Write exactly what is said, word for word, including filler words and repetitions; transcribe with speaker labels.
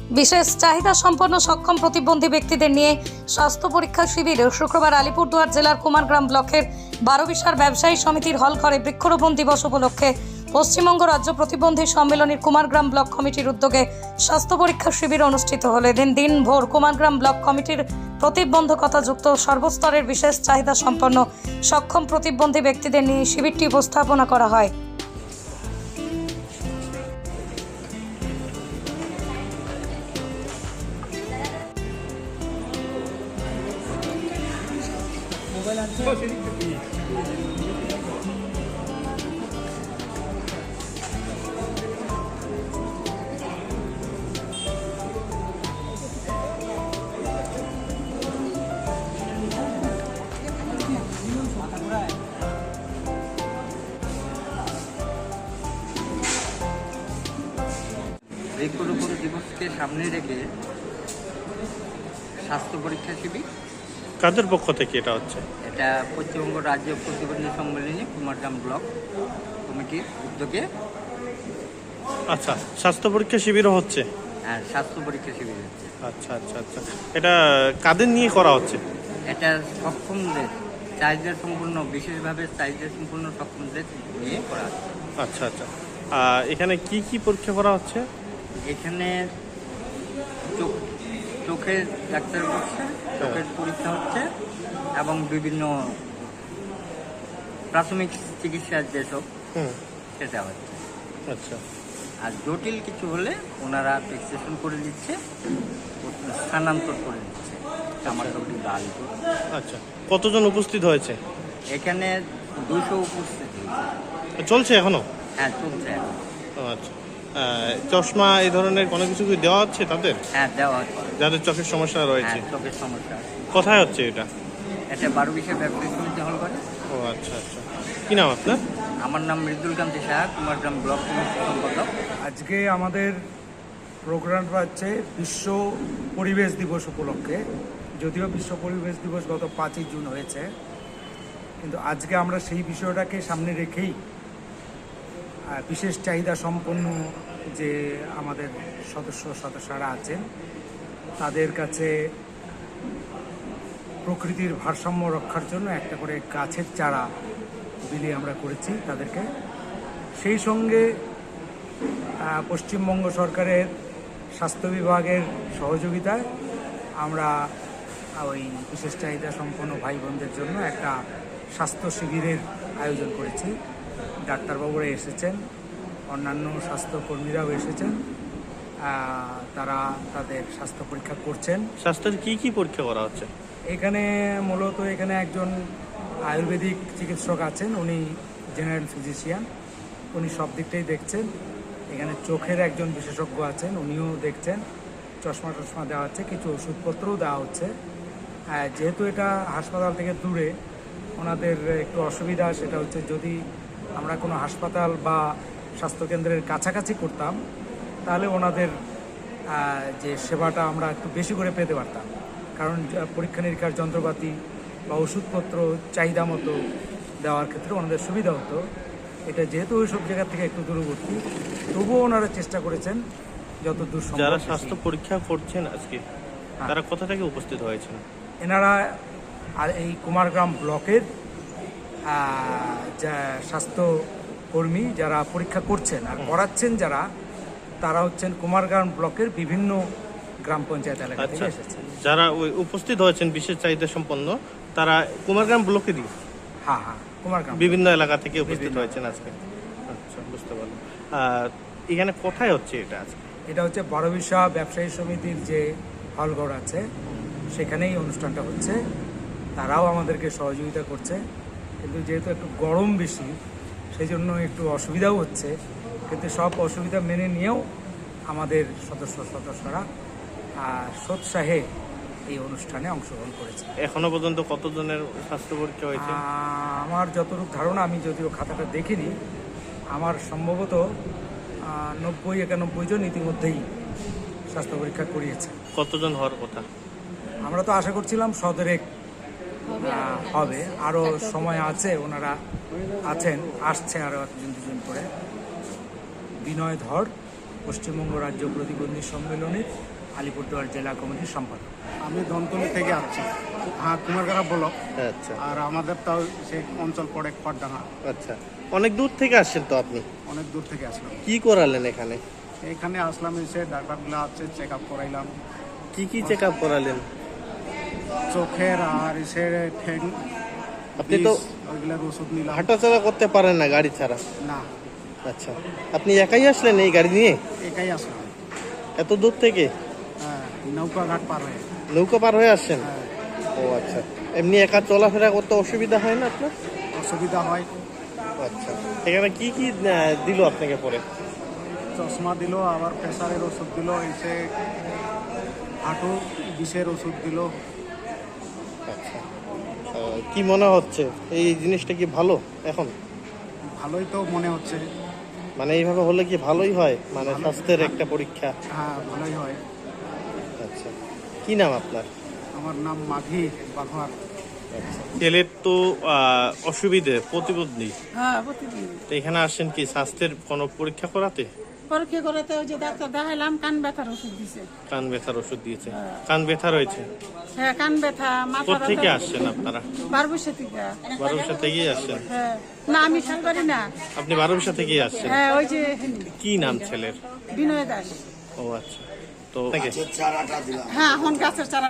Speaker 1: বিশেষ চাহিদা সম্পন্ন সক্ষম প্রতিবন্ধী ব্যক্তিদের নিয়ে স্বাস্থ্য পরীক্ষা শিবির শুক্রবার আলিপুরদুয়ার জেলার কুমারগ্রাম ব্লকের বারোবিশার ব্যবসায়ী সমিতির হল ঘরে বৃক্ষরোপণ দিবস উপলক্ষে পশ্চিমবঙ্গ রাজ্য প্রতিবন্ধী সম্মেলনের কুমারগ্রাম ব্লক কমিটির উদ্যোগে স্বাস্থ্য পরীক্ষা শিবির অনুষ্ঠিত হল। এদিন দিনভর কুমারগ্রাম ব্লক কমিটির প্রতিবন্ধকতাযুক্ত সর্বস্তরের বিশেষ চাহিদা সম্পন্ন সক্ষম প্রতিবন্ধী ব্যক্তিদের নিয়ে শিবিরটি উপস্থাপনা করা হয়।
Speaker 2: বৃক্ষরোপণ দিবসকে সামনে রেখে স্বাস্থ্য পরীক্ষা শিবির
Speaker 3: কাদের পক্ষ থেকে এটা হচ্ছে?
Speaker 2: এটা পশ্চিমবঙ্গ রাজ্য প্রতিবন্ধী সম্মেলনী কুমারগ্রাম ব্লক কমিটির উদ্যোগে।
Speaker 3: আচ্ছা, স্বাস্থ্য পরীক্ষা শিবিরও হচ্ছে?
Speaker 2: হ্যাঁ, স্বাস্থ্য পরীক্ষা শিবির হচ্ছে।
Speaker 3: আচ্ছা আচ্ছা আচ্ছা এটা কাদের নিয়ে করা হচ্ছে?
Speaker 2: এটা সক্ষমদের চাহিদা সম্পূর্ণ, বিশেষভাবে চাহিদা সম্পূর্ণ সক্ষমদের নিয়ে করা হচ্ছে।
Speaker 3: আচ্ছা আচ্ছা আহ, এখানে কি কি পরীক্ষা করা হচ্ছে?
Speaker 2: এখানে চোখ চোখের ডাক্তার বসছে, চোখের পরীক্ষা হচ্ছে এবং বিভিন্ন প্রাথমিক চিকিৎসার যেসব
Speaker 3: হুম
Speaker 2: সেটা হচ্ছে।
Speaker 3: আচ্ছা,
Speaker 2: আর জটিল কিছু হলে ওনারা ফিক্সেশন করে দিচ্ছে, স্থানান্তর করে দিচ্ছে আমার কাছে গাড়ি।
Speaker 3: আচ্ছা, কতজন উপস্থিত হয়েছে
Speaker 2: এখানে? দুশো উপস্থিত হয়েছে।
Speaker 3: চলছে এখনো?
Speaker 2: হ্যাঁ, চলছে এখন।
Speaker 3: ও আচ্ছা, আহ, চশমা এই ধরনের কোনো কিছু কি দেওয়া হচ্ছে তাদের,
Speaker 2: হ্যাঁ, দেওয়া হচ্ছে।
Speaker 3: যাদের চোখের সমস্যা রয়েছে?
Speaker 2: হ্যাঁ, চোখের সমস্যা।
Speaker 3: কোথায় হচ্ছে এটা?
Speaker 2: এটা বারোবিশার ব্যবসায়ী সমিতি হল করে।
Speaker 3: ও আচ্ছা আচ্ছা, কি নাম আপনার?
Speaker 2: আমার নাম মৃদুল কান্তি সাহা, কুমারগ্রাম ব্লক কমিটির সম্পাদক।
Speaker 4: আজকে আমাদের প্রোগ্রামটা হচ্ছে বিশ্ব পরিবেশ দিবস উপলক্ষে। যদিও বিশ্ব পরিবেশ দিবস গত পাঁচই জুন হয়েছে, কিন্তু আজকে আমরা সেই বিষয়টাকে সামনে রেখেই আহ, বিশেষ চাহিদা সম্পন্ন যে আমাদের সদস্য সদস্যরা আছেন তাদের কাছে প্রকৃতির ভারসাম্য রক্ষার জন্য একটা করে গাছের চারা বিলি আমরা করেছি তাদেরকে। সেই সঙ্গে আহ, পশ্চিমবঙ্গ সরকারের স্বাস্থ্য বিভাগের সহযোগিতায় আমরা ওই বিশেষ চাহিদা সম্পন্ন ভাই বোনদের জন্য একটা স্বাস্থ্য শিবিরের আয়োজন করেছি। ডাক্তারবাবুরা এসেছেন, অন্যান্য স্বাস্থ্যকর্মীরাও এসেছেন, আহ, তারা তাদের স্বাস্থ্য পরীক্ষা করছেন।
Speaker 3: স্বাস্থ্যের কি কি পরীক্ষা করা হচ্ছে
Speaker 4: এখানে? মূলত এখানে একজন আয়ুর্বেদিক চিকিৎসক আছেন, উনি জেনারেল ফিজিশিয়ান, উনি সব দিকটাই দেখছেন। এখানে চোখের একজন বিশেষজ্ঞ আছেন, উনিও দেখছেন। চশমা টশমা দেওয়া হচ্ছে, কিছু ওষুধপত্রও দেওয়া হচ্ছে। যেহেতু এটা হাসপাতাল থেকে দূরে, ওনাদের একটু অসুবিধা সেটা হচ্ছে যদি আমরা কোনো হাসপাতাল বা স্বাস্থ্যকেন্দ্রের কাছাকাছি করতাম তাহলে ওনাদের যে সেবাটা আমরা একটু বেশি করে পেতে পারতাম, কারণ পরীক্ষা নিরীক্ষার যন্ত্রপাতি বা ওষুধপত্র চাহিদা মতো দেওয়ার ক্ষেত্রে ওনাদের সুবিধা হতো। এটা যেহেতু ওই সব জায়গা থেকে একটু দূরবর্তী, তবুও ওনারা চেষ্টা করেছেন যত দূর সম্ভব।
Speaker 3: যারা স্বাস্থ্য পরীক্ষা করছেন আজকে তারা কোথা থেকে উপস্থিত হয়েছেন?
Speaker 4: এনারা আর এই কুমারগ্রাম ব্লকের যা স্বাস্থ্য কর্মী যারা পরীক্ষা করছেন আর করাচ্ছেন যারা, তারা হচ্ছেন কুমারগ্রাম ব্লকের বিভিন্ন গ্রাম পঞ্চায়েত এলাকা থেকে এসেছেন।
Speaker 3: যারা ওই উপস্থিত হয়েছেন বিশেষ চাহিদা সম্পন্ন তারা কুমারগ্রাম ব্লকেরই?
Speaker 4: হ্যাঁ হ্যাঁ, কুমারগ্রাম
Speaker 3: বিভিন্ন এলাকা থেকে উপস্থিত হয়েছেন আজকে। আচ্ছা, বুঝতে পারলাম। এখানে কোথায় হচ্ছে এটা আজকে?
Speaker 4: এটা হচ্ছে বারোবিশা ব্যবসায়ী সমিতির যে হলঘর আছে সেখানেই অনুষ্ঠানটা হচ্ছে। তারাও আমাদেরকে সহযোগিতা করছে, কিন্তু যেহেতু একটু গরম বেশি সেই জন্য একটু অসুবিধাও হচ্ছে, কিন্তু সব অসুবিধা মেনে নিয়েও আমাদের সদস্য সদস্যরা সোৎসাহে এই অনুষ্ঠানে অংশগ্রহণ করেছে।
Speaker 3: এখনো পর্যন্ত কতজনের স্বাস্থ্য পরীক্ষা হয়েছে?
Speaker 4: আমার যতটুকু ধারণা, আমি যদিও খাতাটা দেখিনি, আমার সম্ভবত নব্বই একানব্বই জন ইতিমধ্যেই স্বাস্থ্য পরীক্ষা করিয়েছে।
Speaker 3: কতজন হওয়ার কথা?
Speaker 4: আমরা তো আশা করছিলাম সদরেক হবে, আরও সময় আছে, ওনারা আছেন, আসছে আরও একজন দুজন করে। বিনয় ধর, পশ্চিমবঙ্গ রাজ্য প্রতিবন্ধী সম্মেলনের আলিপুরদুয়ার জেলা কমিটির সম্পাদক।
Speaker 5: আমি ধনতলি থেকে আসছি, হ্যাঁ কুমারগাড়া ব্লক।
Speaker 3: আচ্ছা
Speaker 5: আর আমাদের তো সেই অঞ্চল পড়ে খড়ডাঙ্গা।
Speaker 3: আচ্ছা, অনেক দূর থেকে আসছেন তো আপনি,
Speaker 5: অনেক দূর থেকে আসলাম।
Speaker 3: কি করালেন এখানে?
Speaker 5: এখানে আসলাম, এসে ডাক্তারগুলো আছে, চেক আপ করাইলাম,
Speaker 3: কি কি চেক আপ করালেন?
Speaker 5: চোখের আর এসে ঠ্যাং,
Speaker 3: আপনি তো
Speaker 5: বিষ, ওইগুলোর ওষুধ নিলাম।
Speaker 3: হাঁটাচলা করতে পারেন না গাড়ি ছাড়া?
Speaker 5: না,
Speaker 3: আচ্ছা, আপনি একাই আসলেন এই গাড়ি নিয়ে
Speaker 5: একাই আসলাম।
Speaker 3: এত দূর থেকে?
Speaker 5: হ্যাঁ, নৌকা ঘাট পার হয়ে।
Speaker 3: নৌকা পার হয়ে আসছেন?
Speaker 5: হ্যাঁ,
Speaker 3: ও আচ্ছা, এমনি একা চলাফেরা করতে অসুবিধা হয় না আপনার?
Speaker 5: অসুবিধা হয়।
Speaker 3: আচ্ছা, এখানে কি কি আহ, দিল আপনাকে পরে?
Speaker 5: চশমা দিল, আবার প্রেসারের ওষুধ দিল, এসে হাঁটু বিষের ওষুধ দিল।
Speaker 3: আচ্ছা, আহ, কি মনে হচ্ছে এই জিনিসটা কি ভালো এখন?
Speaker 5: ভালোই তো মনে হচ্ছে।
Speaker 3: মানে এইভাবে হলে কি ভালোই হয়, মানে স্বাস্থ্যের একটা পরীক্ষা?
Speaker 5: হ্যাঁ, ভালোই হয়।
Speaker 3: আচ্ছা, কি নাম আপনার?
Speaker 5: আমার নাম মাঘি বাঘার।
Speaker 3: ছেলের তো আহ, অসুবিধে, প্রতিবন্ধী,
Speaker 6: হ্যাঁ প্রতিদিন
Speaker 3: তো এখানে আসেন কি স্বাস্থ্যের কোনো পরীক্ষা করাতে?
Speaker 6: পরীক্ষা করাতে ওই যে ডাক্তার দেখাইলাম, কান ব্যথার ওষুধ দিছে।
Speaker 3: কান ব্যথার ওষুধ দিয়েছে? কান ব্যথা রয়েছে?
Speaker 6: হ্যাঁ কান ব্যথা, মাথা
Speaker 3: কোথেকে আসছেন আপনারা?
Speaker 6: বারবসা থেকে।
Speaker 3: বারোবিশা থেকেই আসছেন?
Speaker 6: হ্যাঁ, না আমি শালবাড়ি না।
Speaker 3: আপনি বারোবিশা থেকেই আসছেন?
Speaker 6: হ্যাঁ ওই যে
Speaker 3: কি নাম ছেলের?
Speaker 6: বিনয় দাস।
Speaker 3: ও আচ্ছা, তো
Speaker 6: হ্যাঁ এখন গাছের চারা